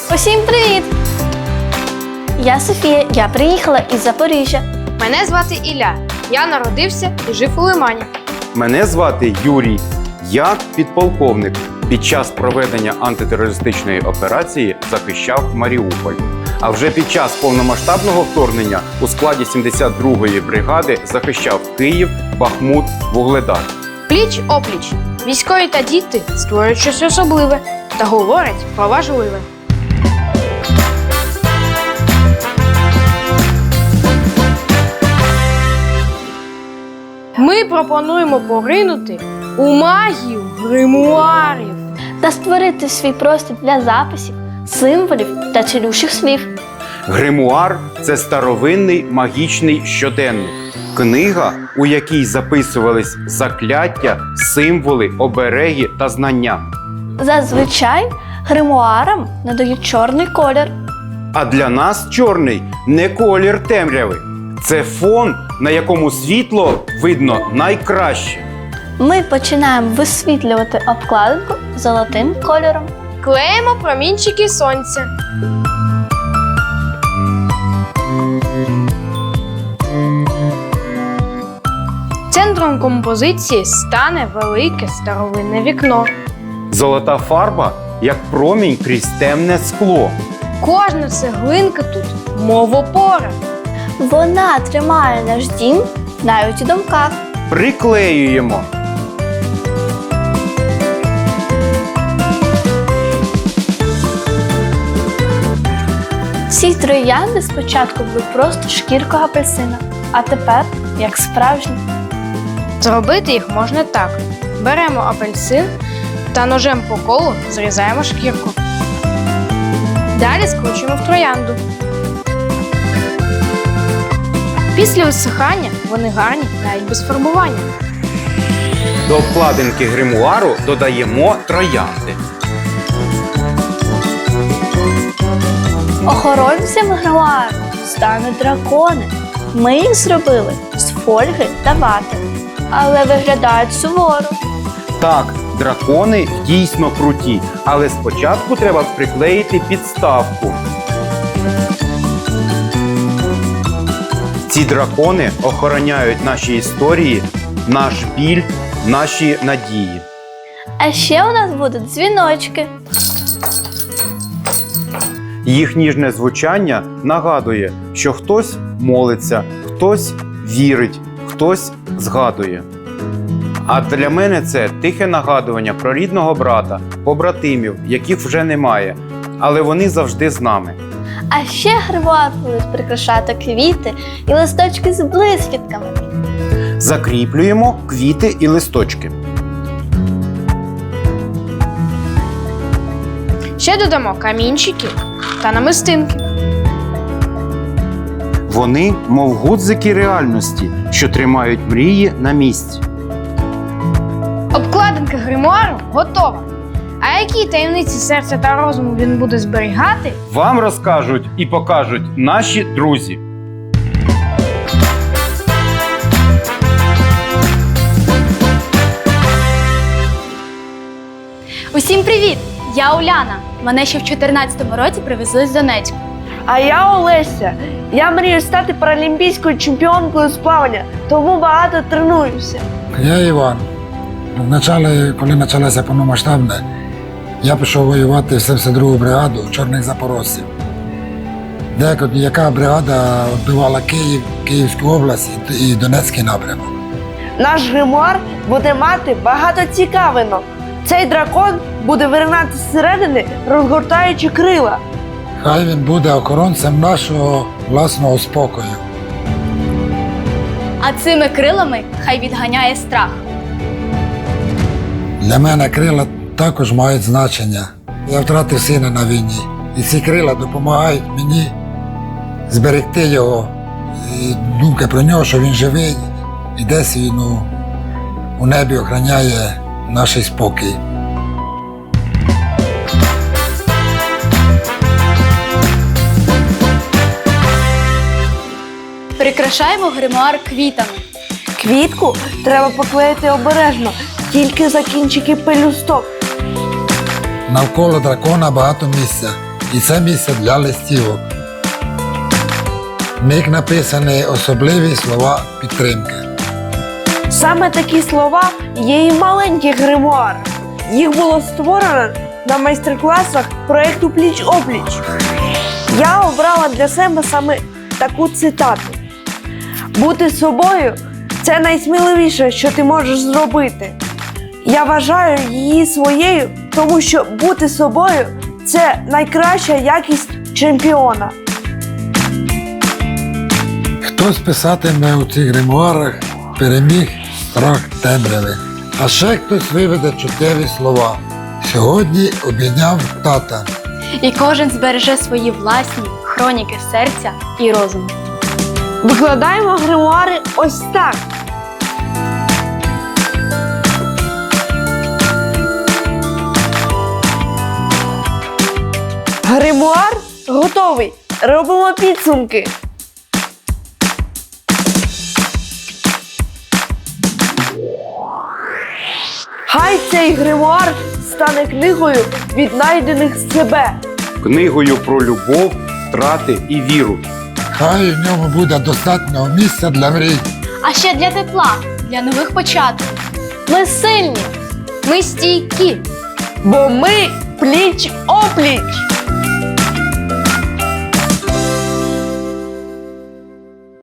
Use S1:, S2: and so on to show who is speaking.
S1: Усім привіт! Я Софія, я приїхала із Запоріжжя.
S2: Мене звати Ілля. Я народився і жив у Лимані.
S3: Мене звати Юрій. Я підполковник. Під час проведення антитерористичної операції захищав Маріуполь. А вже під час повномасштабного вторгнення у складі 72-ї бригади захищав Київ, Бахмут, Вугледар.
S2: Пліч-опліч. Військові та діти створюють щось особливе та говорять про важливе. Ми пропонуємо поринути у магію гримуарів.
S1: Та створити свій простір для записів, символів та цілющих слів.
S3: Гримуар – це старовинний магічний щоденник. Книга, у якій записувались закляття, символи, обереги та знання.
S1: Зазвичай гримуарам надають чорний колір.
S3: А для нас чорний – не колір темряви. Це фон, на якому світло видно найкраще.
S1: Ми починаємо висвітлювати обкладинку золотим кольором.
S2: Клеїмо промінчики сонця. Центром композиції стане велике старовинне вікно.
S3: Золота фарба – як промінь крізь темне скло.
S2: Кожна цеглинка тут – мов опора.
S1: Вона тримає наш дім навіть у думках.
S3: Приклеюємо.
S1: Ці троянди спочатку були просто шкіркою апельсина, а тепер як справжні.
S2: Зробити їх можна так. Беремо апельсин та ножем по колу зрізаємо шкірку. Далі скручуємо в троянду. Після висихання вони гарні навіть без фарбування.
S3: До обкладинки гримуару додаємо троянди.
S1: Охоронцями гримуару стануть дракони. Ми їх зробили з фольги та вати, але виглядають суворо.
S3: Так, дракони дійсно круті, але спочатку треба приклеїти підставку. Ці дракони охороняють наші історії, наш біль, наші надії.
S1: А ще у нас будуть дзвіночки.
S3: Їх ніжне звучання нагадує, що хтось молиться, хтось вірить, хтось згадує. А для мене це тихе нагадування про рідного брата, побратимів, яких вже немає, але вони завжди з нами.
S1: А ще гримуар будуть прикрашати квіти і листочки з блискітками.
S3: Закріплюємо квіти і листочки.
S2: Ще додамо камінчики та намистинки.
S3: Вони, мов гудзики реальності, що тримають мрії на місці.
S2: Обкладинка гримуару готова. А які таємниці серця та розуму він буде зберігати?
S3: Вам розкажуть і покажуть наші друзі.
S4: Усім привіт! Я Уляна. Мене ще в 2014 році привезли з Донецька.
S5: А я Олеся. Я мрію стати паралімпійською чемпіонкою з плавання, тому багато тренуюся.
S6: Я Іван. Коли почалося повномасштабне, я пішов воювати в 72-гу бригаду чорних запорожців. Яка бригада відбивала Київ, Київську область і Донецький напрямок.
S5: Наш гримуар буде мати багато цікавинок. Цей дракон буде виринати зсередини, розгортаючи крила.
S6: Хай він буде охоронцем нашого власного спокою.
S4: А цими крилами хай відганяє страх.
S6: Для мене крила також мають значення. Я втратив сина на війні. І ці крила допомагають мені зберегти його. І думка про нього, що він живий і десь він у небі охороняє наш спокій.
S4: Прикрашаємо гримуар квітами.
S5: Квітку треба поклеїти обережно, тільки за кінчики пелюсток.
S6: Навколо дракона багато місця. і це місце для листівок. В них написані особливі слова підтримки.
S5: Саме такі слова є і в маленьких гримуарах. Їх було створено на майстер-класах проєкту «Пліч-опліч». Я обрала для себе саме таку цитату. «Бути собою – це найсміливіше, що ти можеш зробити». Я вважаю її своєю, тому що бути собою – це найкраща якість чемпіона.
S6: Хтось писатиме у цих гримуарах «Переміг страх темряви», а ще хтось виведе чуттєві слова. Сьогодні обійняв тата.
S4: І кожен збереже свої власні хроніки серця і розуму.
S5: Викладаємо гримуари ось так. Гримуар готовий. Робимо підсумки. Хай цей гримуар стане книгою віднайдених себе.
S3: Книгою про любов, втрати і віру.
S6: Хай в ньому буде достатньо місця для мрій.
S4: А ще для тепла, для нових початків.
S1: Ми сильні.
S2: Ми стійкі.
S5: Бо ми пліч-опліч.